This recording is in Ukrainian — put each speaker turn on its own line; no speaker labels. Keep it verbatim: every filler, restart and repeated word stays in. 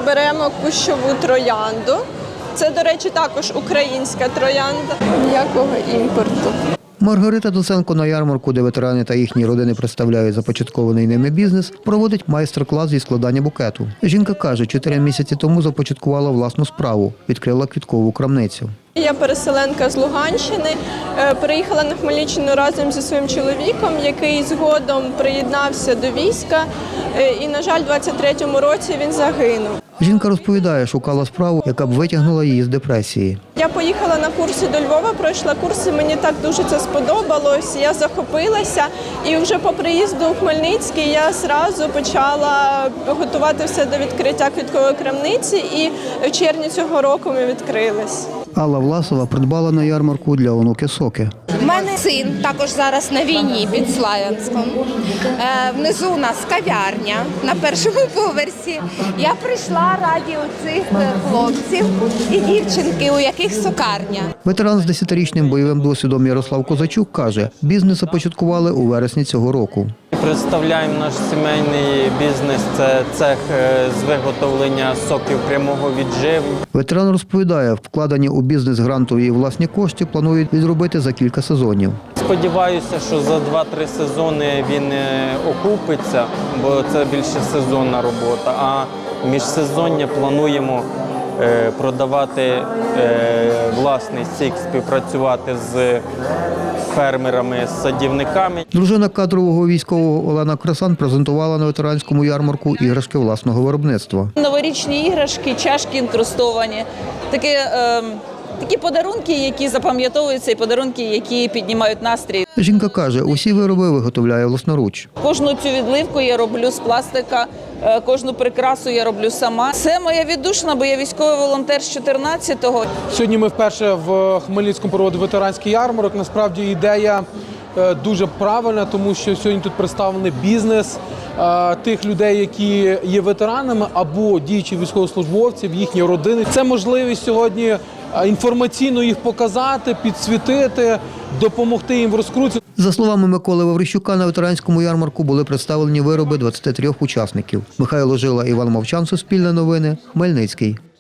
беремо кущову троянду. Це, до речі, також українська троянда. Ніякого імпорту.
Маргарита Доценко на ярмарку, де ветерани та їхні родини представляють започаткований ними бізнес, проводить майстер-клас зі складання букету. Жінка каже, чотири місяці тому започаткувала власну справу – відкрила квіткову крамницю.
Я переселенка з Луганщини, приїхала на Хмельниччину разом зі своїм чоловіком, який згодом приєднався до війська і, на жаль, у двадцять третьому році він загинув.
Жінка розповідає, шукала справу, яка б витягнула її з депресії.
Я поїхала на курси до Львова, пройшла курси, мені так дуже це сподобалось, я захопилася. І вже по приїзду у Хмельницький я одразу почала готувати все до відкриття квіткової крамниці, і в червні цього року ми відкрились.
Алла Власова придбала на ярмарку для онуки соки.
У мене син також зараз на війні під Славянськом. Е, внизу у нас кав'ярня на першому поверсі. Я прийшла раді оцих хлопців і дівчинки, у яких сокарня.
Ветеран з десятирічним бойовим досвідом Ярослав Козачук каже, бізнес започаткували у вересні цього року.
Представляємо наш сімейний бізнес – це цех з виготовлення соків прямого відживу.
Ветеран розповідає, вкладені у бізнес грантові і власні кошти планують відробити за кілька сезонів.
Сподіваюся, що за два-три сезони він окупиться, бо це більше сезонна робота, а міжсезоння плануємо продавати власний сік, співпрацювати з фермерами, з садівниками.
Дружина кадрового військового Олена Красан презентувала на ветеранському ярмарку іграшки власного виробництва.
Новорічні іграшки, чашки інкрустовані, такі, е, такі подарунки, які запам'ятовуються, і подарунки, які піднімають настрій.
Жінка каже, усі вироби виготовляє власноруч.
Кожну цю відливку я роблю з пластика, е, кожну прикрасу я роблю сама. Це моя віддушина, бо я військовий волонтер з чотирнадцятого.
Сьогодні ми вперше в Хмельницькому проводимо ветеранський ярмарок. Насправді ідея дуже правильна, тому що сьогодні тут представлений бізнес тих людей, які є ветеранами або діючі військовослужбовців, їхні родини. Це можливість сьогодні інформаційно їх показати, підсвітити, допомогти їм в розкрутці.
За словами Миколи Ваврищука, на ветеранському ярмарку були представлені вироби двадцяти трьох учасників. Михайло Жила, Іван Мовчан, Суспільне новини, Хмельницький.